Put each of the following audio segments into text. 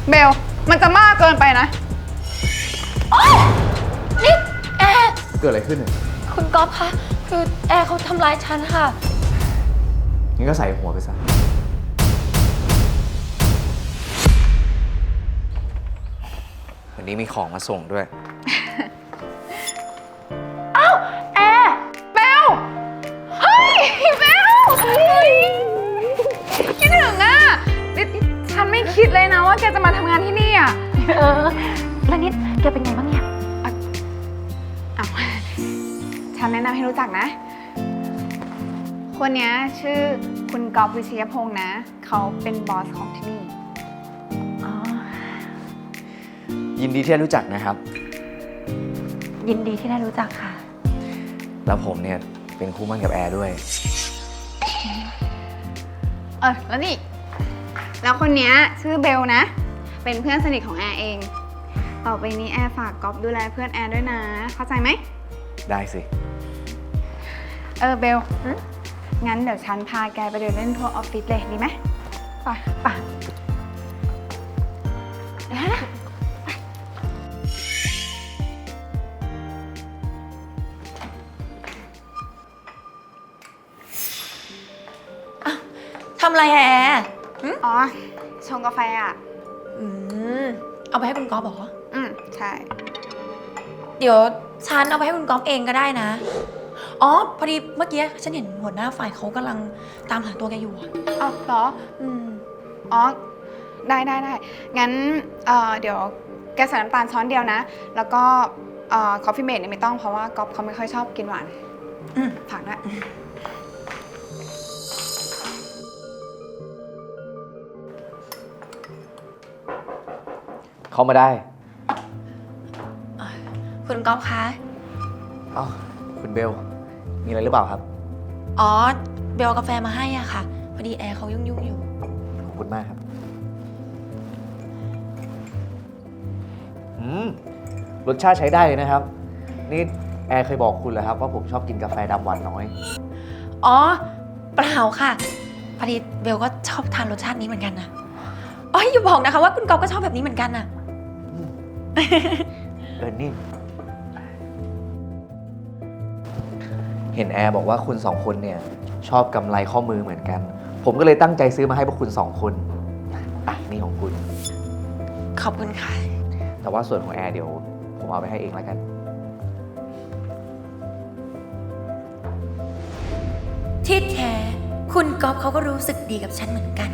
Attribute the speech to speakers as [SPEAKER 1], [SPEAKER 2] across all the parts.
[SPEAKER 1] เบลมันจะมากเกินไปนะ
[SPEAKER 2] โอ๊ยนี่แอร์
[SPEAKER 3] เกิดอะไรขึ้นเนี่ย
[SPEAKER 2] คุณก๊อฟคะคือแอร์เขาทำร้ายฉันค่ะ
[SPEAKER 3] งั้นก็ใส่หัวไปซะวันนี้มีของมาส่งด้วย
[SPEAKER 1] เอ้าแอร์เบลเฮ้ยเบลคิดถึงอ่ะฉันไม่คิดเลยนะว่าแกจะมาทำงานที่นี่อ่ะ
[SPEAKER 2] แล้วนิดแกเป็นไงบ้างเนี่ย
[SPEAKER 1] อ้าวฉันแนะนำให้รู้จักนะ คนนี้ชื่อคุณก๊อฟวิชยพงษ์นะ เขาเป็นบอสของที่นี่
[SPEAKER 2] อ๋อ
[SPEAKER 3] ยินดีที่ได้รู้จักนะครับ
[SPEAKER 2] ยินดีที่ได้รู้จักค่ะ
[SPEAKER 3] แล้วผมเนี่ยเป็นคู่มั่นกับแอร์ด้วย
[SPEAKER 1] แล้วนี่ แล้วคนนี้ชื่อเบลนะ เป็นเพื่อนสนิทของแอร์เอง ต่อไปนี้แอร์ฝากก๊อฟดูแลเพื่อนแอร์ด้วยนะ เข้าใจไหม
[SPEAKER 3] ได้สิ
[SPEAKER 1] เบล งั้นเดี๋ยวฉันพาแกไปเดินเล่นทั่วออฟฟิศเลยดีไหมไปนะ
[SPEAKER 2] ทำอะไรแอร์
[SPEAKER 1] อ๋อ ชงกาแฟอ่ะ
[SPEAKER 2] เอาไปให้คุณก๊อฟเหรอ
[SPEAKER 1] ใช่
[SPEAKER 2] เดี๋ยวฉันเอาไปให้คุณก๊อฟเองก็ได้นะ อ๋อ พอดีเมื่อกี้ฉันเห็นหัวหน้าฝ่ายเขากำลังตามหาตัวแกอยู่อะ
[SPEAKER 1] เหรอ อ๋อ ได้ งั้น เดี๋ยวแกใส่น้ำตาลช้อนเดียวนะ แล้วก็คอฟฟี่เมดเนี่ยไม่ต้องเพราะว่าก๊อฟเขาไม่ค่อยชอบกินหวานฝากด้วย
[SPEAKER 3] เข้ามาได้
[SPEAKER 2] คุณก๊อฟคะ
[SPEAKER 3] อ้าวคุณเบล มีอะไรหรือเปล่าครับ
[SPEAKER 2] อ๋อ เบลเอากาแฟมาให้อ่ะค่ะ พอดีแอร์เขายุ่งอยู่
[SPEAKER 3] ขอบคุณมากครับ รสชาติใช้ได้เลยนะครับ นี่แอร์เคยบอกคุณเหรอครับว่าผมชอบกินกาแฟดำหวานน้อย
[SPEAKER 2] อ๋อ เปล่าค่ะ พอดีเบลก็ชอบทานรสชาตินี้เหมือนกันนะอ๋ออย่าบอกนะคะว่าคุณก๊อฟก็ชอบแบบนี้เหมือนกันน่ะ
[SPEAKER 3] นี่เห็นแอร์บอกว่าคุณสองคนเนี่ยชอบกำไรข้อมือเหมือนกัน ผมก็เลยตั้งใจซื้อมาให้พวกคุณสองคนนี่ของคุณ
[SPEAKER 2] ขอบคุณค่ะ
[SPEAKER 3] แต่ว่าส่วนของแอร์เดี๋ยวผมเอาไปให้เองแล้วกัน
[SPEAKER 2] ที่แท้คุณก๊อฟเขาก็รู้สึกดีกับฉันเหมือนกัน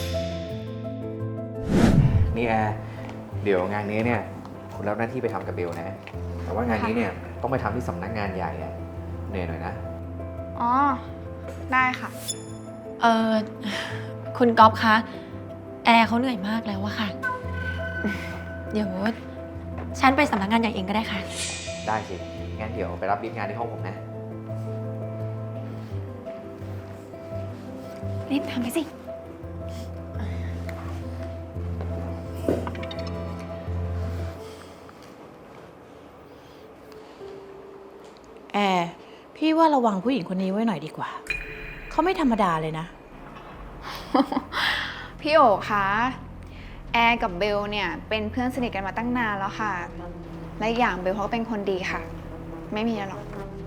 [SPEAKER 3] นี่แอร์เดี๋ยวงานนี้เนี่ยคุณรับหน้าที่ไปทำกับเบลนะ แต่ว่างานนี้เนี่ยต้องไปทำที่สำนักงานใหญ่อะเหนื่อยหน่อยนะ
[SPEAKER 1] อ๋อ ได้ค่ะ
[SPEAKER 2] คุณก๊อฟคะ แอร์เขาเหนื่อยมากแล้วอะค่ะ เดี๋ยวฉันไปสำนักงานใหญ่เองก็ได้ค่ะ
[SPEAKER 3] ได้สิ งั้นเดี๋ยวไปรับรีบงานที่ห้องผมนะ
[SPEAKER 1] รีบทำไปสิ
[SPEAKER 4] แอร์พี่ว่าระวังผู้หญิงคนนี้ไว้หน่อยดีกว่า เขาไม่ธรรมดาเลยนะ
[SPEAKER 1] พี่โอ๋คะแอร์กับเบลเนี่ยเป็นเพื่อนสนิทกันมาตั้งนานแล้วค่ะ และอีกอย่างเบลเขาก็เป็นคนดีค่ะ ไม่มีอะไรหรอก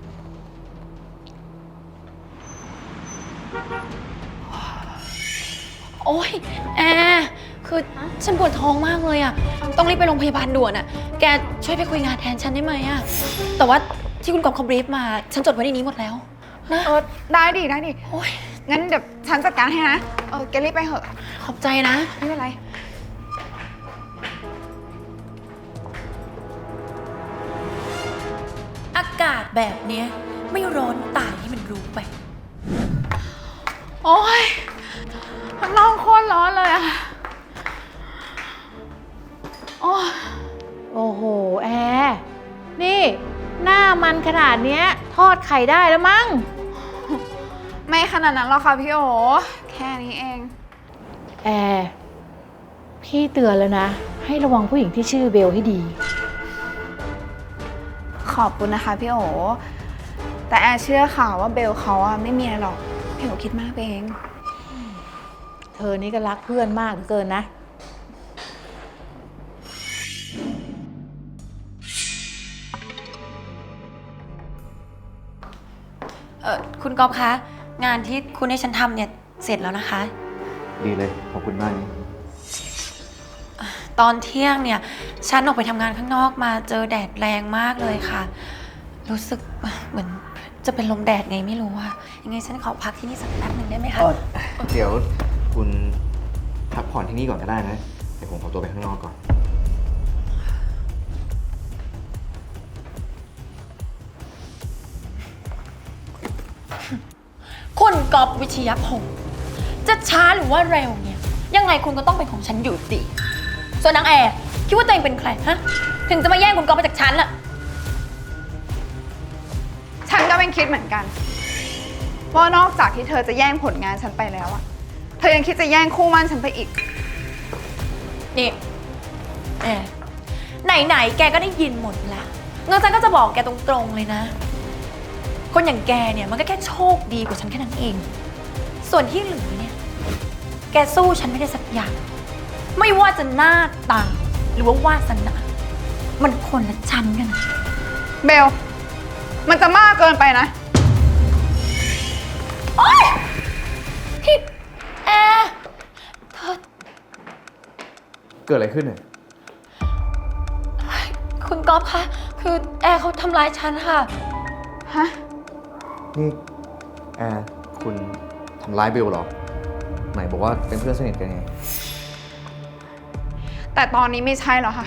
[SPEAKER 2] โอ๊ยแอร์คือฉันปวดท้องมากเลยอะต้องรีบไปโรงพยาบาลด่วนอะแกช่วยไปคุยงานแทนฉันได้ไหมอะแต่ว่าที่คุณก๊อฟเขาบรีฟมา ฉันจดไว้ในนี้หมดแล้วนะ
[SPEAKER 1] ได้ดิ
[SPEAKER 2] โอ๊ย
[SPEAKER 1] งั้นเดี๋ยวฉันจัดการให้นะ แกรีบไปเถอะ
[SPEAKER 2] ขอบใจนะ
[SPEAKER 1] ไม่เป็นไร
[SPEAKER 2] อากาศแบบเนี้ยไม่ร้อนตายให้มันรู้ไป
[SPEAKER 1] โอ๊ยข้างนอกโคตรร้อนเลยอะโอ้ย
[SPEAKER 4] โอ้โห แอร์นี่ หน้ามันขนาดเนี้ยทอดไข่ได้แล้วมั้ง
[SPEAKER 1] ไม่ขนาดนั้นหรอกค่ะพี่โอ แค่นี้เอง
[SPEAKER 4] แอร์พี่เตือนแล้วนะ ให้ระวังผู้หญิงที่ชื่อเบลให้ดี
[SPEAKER 1] ขอบคุณนะคะพี่โอ แต่แอร์เชื่อค่ะว่าเบลเขาอะไม่มีอะไรหรอก พี่โอคิดมากไปเอง
[SPEAKER 4] เธอนี่ก็รักเพื่อนมากเหลือเกินนะ
[SPEAKER 2] คุณก๊อฟคะงานที่คุณให้ฉันทำเนี่ยเสร็จแล้วนะคะ
[SPEAKER 3] ดีเลย ขอบคุณมากนะ
[SPEAKER 2] ตอนเที่ยงเนี่ยฉันออกไปทำงานข้างนอกมาเจอแดดแรงมากเลยค่ะ รู้สึกเหมือนจะเป็นลมแดดไงไม่รู้อะยังไงฉันขอพักที่นี่สักแป๊บหนึ่งได้ไหมคะ
[SPEAKER 3] เดี๋ยวคุณพักผ่อนที่นี่ก่อนก็ได้นะ เดี๋ยวผมขอตัวไปข้างนอกก่อน
[SPEAKER 2] คุณก๊อฟวิชยพงศ์จะช้าหรือว่าเร็วเนี่ยยังไงคุณก็ต้องเป็นของฉันอยู่ดี ส่วนนางแอร์คิดว่าตัวเองเป็นใครฮะถึงจะมาแย่งคุณก๊อฟไปจากฉันล่ะ
[SPEAKER 1] ฉันก็เป็นคิดเหมือนกันว่านอกจากที่เธอจะแย่งผลงานฉันไปแล้วอะเธอยังคิดจะแย่งคู่มั่นฉันไปอีก
[SPEAKER 2] นี่แอร์ไหนๆแกก็ได้ยินหมดแล้วงั้นฉันก็จะบอกแกตรงๆเลยนะ คนอย่างแกเนี่ยมันก็แค่โชคดีกว่าฉันแค่นั้นเอง ส่วนที่เหลือเนี่ยแกสู้ฉันไม่ได้สักอย่าง ไม่ว่าจะหน้าตาหรือว่าวาสนามันคนละชั้นกันนะ
[SPEAKER 1] เบล มันจะมากเกินไปนะ
[SPEAKER 2] โอ๊ยพี่แอร์เธอ
[SPEAKER 3] เกิดอะไรขึ้นเนี่ย
[SPEAKER 2] คุณก๊อฟคะคือแอร์เขาทำร้ายฉันค่ะ
[SPEAKER 1] ฮะ
[SPEAKER 3] นี่แอร์คุณทำร้ายเบลเหรอ ไหนบอกว่าเป็นเพื่อนสนิทกันไง
[SPEAKER 1] แต่ตอนนี้ไม่ใช่แล้วค่ะ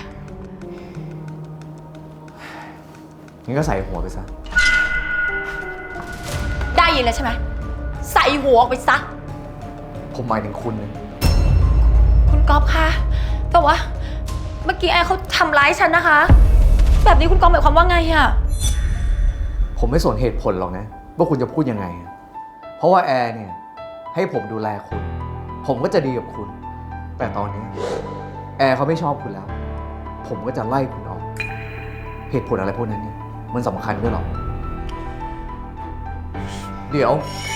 [SPEAKER 3] งั้นก็ใส่หัวไปซะ
[SPEAKER 2] ได้ยินแล้วใช่ไหมใส่หัวออกไปซะ
[SPEAKER 3] ผมหมายถึงคุณนะ
[SPEAKER 2] คุณก๊อฟคะแต่ว่าเมื่อกี้แอร์เขาทำร้ายฉันนะคะ แบบนี้คุณก๊อฟหมายความว่าไงอะ
[SPEAKER 3] ผมไม่สนเหตุผลหรอกนะ ว่าคุณจะพูดยังไงอะเพราะว่าแอร์เนี่ยให้ผมดูแลคุณ ผมก็จะดีกับคุณ แต่ตอนนี้แอร์เขาไม่ชอบคุณแล้ว ผมก็จะไล่คุณออก เหตุผลอะไรพวกนั้นเนี่ยมันสำคัญด้วยหรอ เดี๋ยว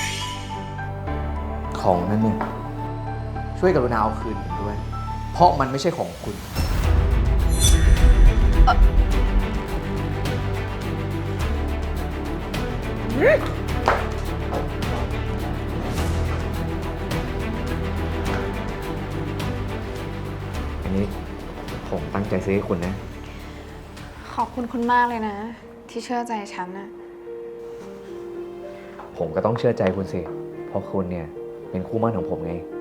[SPEAKER 3] ของนั้นเนี่ยช่วยกรุณาเอาคืนผมด้วย เพราะมันไม่ใช่ของคุณ อันนี้ผมตั้งใจซื้อให้คุณนะ
[SPEAKER 1] ขอบคุณคุณมากเลยนะ ที่เชื่อใจฉันนะ
[SPEAKER 3] ผมก็ต้องเชื่อใจคุณสิ เพราะคุณเนี่ยเป็นคู่หมั่นของผมไง